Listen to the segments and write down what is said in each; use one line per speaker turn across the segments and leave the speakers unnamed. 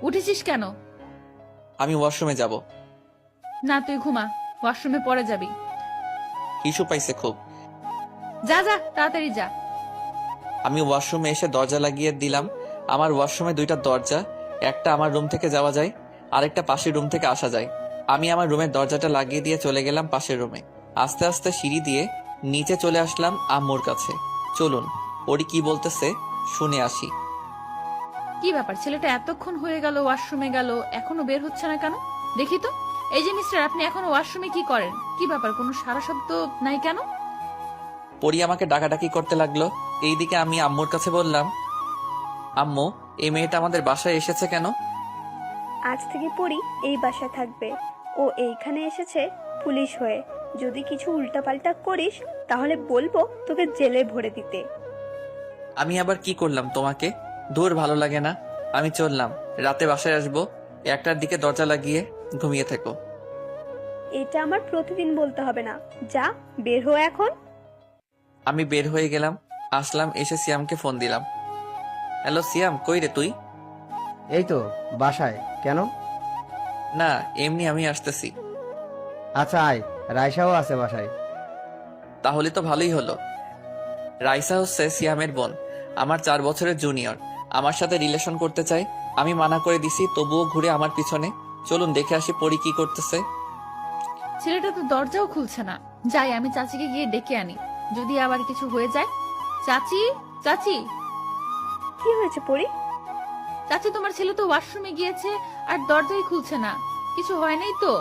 উঠেছিস কেন?
আমি ওয়াশরুমে যাব।
না, তুই ঘুমা, ওয়াশরুমে পরে যাবি।
ইস্যু পাইছে খুব।
যা যা, তাড়াতাড়ি যা।
আমি ওয়াশরুমে এসে দরজা লাগিয়ে দিলাম। আমার ওয়াশরুমে দুইটা দরজা, একটা আমার রুম থেকে যাওয়া যায়, আরেকটা পাশের রুম থেকে আসা যায়। আমি আমার রুমের দরজাটা লাগিয়ে দিয়ে চলে গেলাম পাশের রুমে। আস্তে আস্তে সিঁড়ি দিয়ে নিচে চলে আসলাম আম্মুর কাছে। চলুন ওরি কি বলতেছে শুনে আসি।
কি ব্যাপার, ছেলেটা এতক্ষণ হয়ে গেল ওয়াশরুমে গেল, এখনো বের হচ্ছে না কেন? দেখি তো। এই যে মিস্টার, আপনি এখনো ওয়াশরুমে কি করেন? কি ব্যাপার, কোনো সারা শব্দ নাই কেন?
পরি আমাকে ডাকাডাকি করতে লাগলো। এইদিকে আমি আম্মুর কাছে বললাম, আম্মু এই মেয়েটা আমাদের বাসায় এসেছে কেন?
আজ থেকে পরি এই বাসায় থাকবে। ও এইখানে এসেছে পুলিশ হয়ে। যদি কিছু উল্টাপাল্টা করিস তাহলে বলবো তোকে জেলে ভরে দিতে।
আমি আবার কি করলাম তোমাকে? দূর, ভালো লাগে না। আমি চললাম, রাতে বাসায় আসবো। 1টার দিকে দরজা লাগিয়ে ঘুমিয়ে থেকো।
এটা আমার প্রতিদিন বলতে হবে না। যা, বের হো এখন।
আমি বের হয়ে গেলাম, আসলাম, এসে সিয়ামকে ফোন দিলাম। হ্যালো সিয়াম, কই রে তুই?
এই তো বাসায়। কেন?
না এমনি, আমি আসতেছি।
আচ্ছা আয়, রায়সাও আছে বাসায়।
তাহলে তো ভালোই হলো। রাইসা হচ্ছে সিয়ামের বোন, আমার 4 বছরের জুনিয়র। আমার সাথে রিলেশন করতে চাই। আমি মানা করে দিছি, তবুও ঘুরে আমার পিছনে। চলুন দেখে আসি পরি কি করতেছে।
ছেলেটা তো দরজাও খুলছে না। যাই, আমি চাচিকে গিয়ে ডেকে আনি, যদি আবার কিছু হয়ে যায়। চাচি, চাচি,
কি হয়েছে পরি?
চাচি, তোমার ছেলে তো ওয়াশরুমে গিয়েছে আর দরজাই খুলছে না। কিছু হয় নাই তো?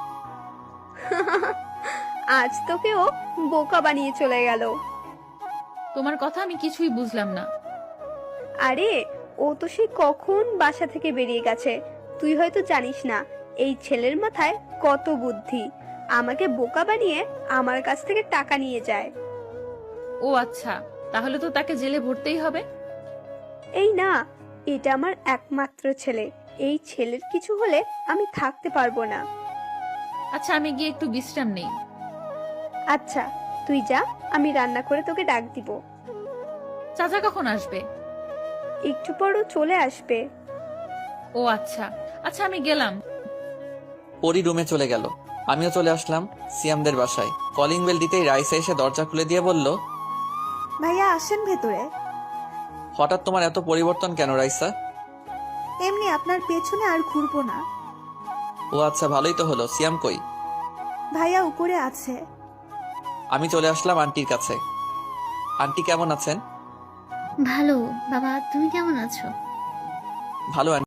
আজ তোকে ও বোকা বানিয়ে চলে গেল।
তোমার কথা আমি কিছুই বুঝলাম না।
আরে, ও তো সে কখন বাসা থেকে বেরিয়ে গেছে। তুই হয়তো জানিস না এই ছেলের মাথায় কত বুদ্ধি। আমাকে বোকা বানিয়ে আমার কাছ থেকে টাকা নিয়ে যায়।
ও আচ্ছা, তাহলে তো তাকে জেলে ভরতেই হবে।
এই না, এটা আমার একমাত্র ছেলে। এই ছেলের কিছু হলে আমি থাকতে পারবো না।
আচ্ছা, আমি গিয়ে একটু বিশ্রাম নেই।
আচ্ছা, তুই যা, আমি রান্না করে তোকে ডাক দিব।
চাচা কখন আসবে?
একটু পরও চলে আসবে।
ও আচ্ছা, আচ্ছা আমি গেলাম।
পরি রুমে চলে গেল, আমিও চলে আসলাম সিয়ামদের বাসায়। কলিং বেল দিতেই রাইসা এসে দরজা খুলে দিয়ে বলল,
ভাইয়া আসেন ভেতরে।
হঠাৎ তোমার এত পরিবর্তন কেন রাইসা?
এমনি আপনার পেছনে আর ঘুরবো না।
ও আচ্ছা, ভালোই তো হলো। সিয়াম কই?
ভাইয়া উপরে আছে।
আমি চলে আসলাম আন্টির কাছে। আন্টি কেমন আছেন?
ভালো। বাবা, তুমি কেমন আছো?
ভালো।